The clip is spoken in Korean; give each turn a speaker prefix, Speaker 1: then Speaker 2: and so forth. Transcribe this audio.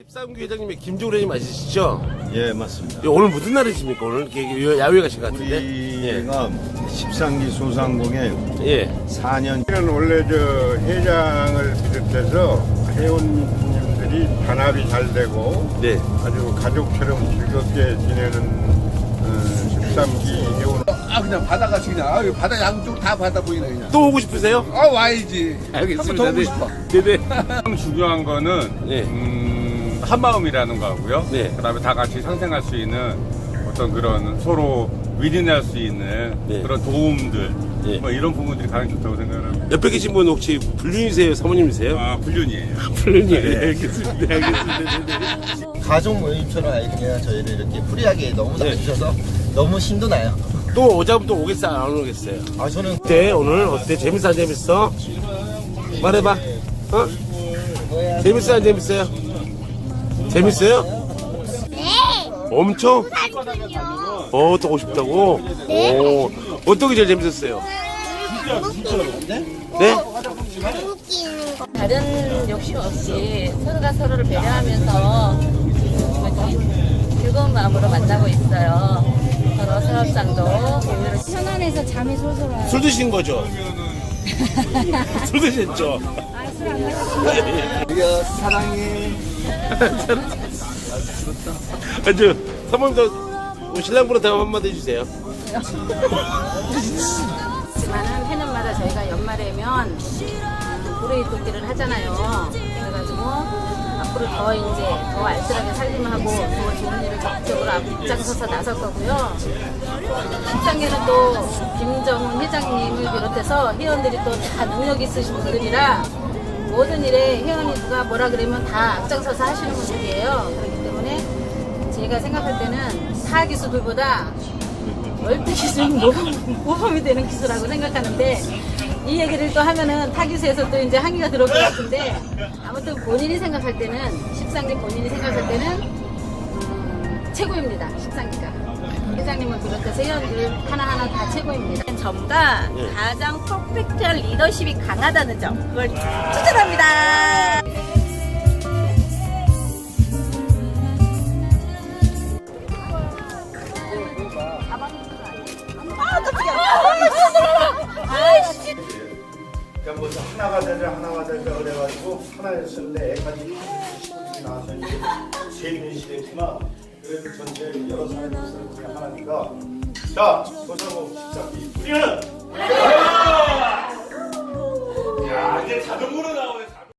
Speaker 1: 십삼기 회장님의 김종래 회장님 맞으시죠?
Speaker 2: 예, 맞습니다.
Speaker 1: 예, 오늘 무슨 날이십니까? 오늘 이렇게 야외 가신 것 같은데?
Speaker 2: 우리가 13기 소상공에
Speaker 1: 예.
Speaker 2: 4년
Speaker 3: 원래 저 회장을 비롯해서 회원님들이 단합이 잘 되고
Speaker 1: 네.
Speaker 3: 아주 가족처럼 즐겁게 지내는 13기 회원.
Speaker 4: 그냥 바다같이 그냥 바다 양쪽 다 바다 보이네 그냥.
Speaker 1: 또 오고 싶으세요?
Speaker 4: 와야지.
Speaker 1: 알겠습니다.
Speaker 4: 한번 더 오고 싶어.
Speaker 1: 네네.
Speaker 5: 가장 중요한 거는
Speaker 1: 네.
Speaker 5: 한마음이라는 거고요.
Speaker 1: 네.
Speaker 5: 그다음에 다 같이 상생할 수 있는 어떤 그런 서로 위인할 수 있는
Speaker 1: 네.
Speaker 5: 그런 도움들
Speaker 1: 네.
Speaker 5: 뭐 이런 부분들이 가장 좋다고 생각합니다.
Speaker 1: 옆에 계신 분 혹시 불륜이세요? 사모님이세요?
Speaker 5: 불륜이에요.
Speaker 1: 불륜이에요. 알겠습니다. 알겠습니다. 네네.
Speaker 6: 가족 모임처럼 그냥 저희를 이렇게 프리하게 너무 나와주셔서 너무 신도 나요.
Speaker 1: 또 오자면 또 오겠어요? 안 오겠어요?
Speaker 6: 저는
Speaker 1: 어때? 오늘 어때? 재밌어? 안 재밌어? 말해봐. 어? 재밌어? 안 재밌어요? 재밌어요?
Speaker 7: 네.
Speaker 1: 엄청?
Speaker 7: 부산군요.
Speaker 1: 또 오고 싶다고?
Speaker 7: 네.
Speaker 1: 오. 어떤 게 제일 재밌었어요? 네?
Speaker 7: 웃기는 거.
Speaker 8: 다른 욕심 없이 서로가 서로를 배려하면서 즐거운 마음으로 만나고 있어요. 서로 사업장도 공유를
Speaker 7: 편안해서 잠이 솔솔 와요.
Speaker 1: 술 드신 거죠? 술 드셨죠?
Speaker 7: 술안 마셨어요.
Speaker 6: 우리가 사랑해.
Speaker 1: 아주 사모님도 신랑분한테 한마디 해주세요.
Speaker 8: 많은 해년마다 저희가 연말에면 불의 돕기를 하잖아요. 그래가지고 앞으로 더 이제 더 알뜰하게 살림하고 더 좋은 일을 적극적으로 앞장서서 나설 거고요. 13기는 또 김정훈 회장님을 비롯해서 회원들이 또 다 능력 있으신 분들이라 모든 일에 회원이 누가 뭐라 그러면 다 앞장서서 하시는 분들이에요. 그렇기 때문에 제가 생각할 때는 타 기수들보다 월드 기술은 모범이 되는 기술이라고 생각하는데 이 얘기를 또 하면은 타기수에서 또 이제 항의가 들어올 것 같은데 아무튼 본인이 생각할 때는 13기 본인이 생각할 때는 최고입니다. 13기가 회장님을 비롯해서 회원들 하나하나 다 최고입니다.
Speaker 9: 점과 가장 퍼펙트한 리더십이 강하다는 점 그걸 추천합니다.
Speaker 3: 그러니까 먼저 하나가 되자 그래가지고 하나였을 때 애까지 친구들이 나와서 이제 재밌는 시대지만 그래도 전체 여러 사람이 있어서 그냥 하나니까 자 소상공 13기 우리는 야 이제 자동으로 나오네.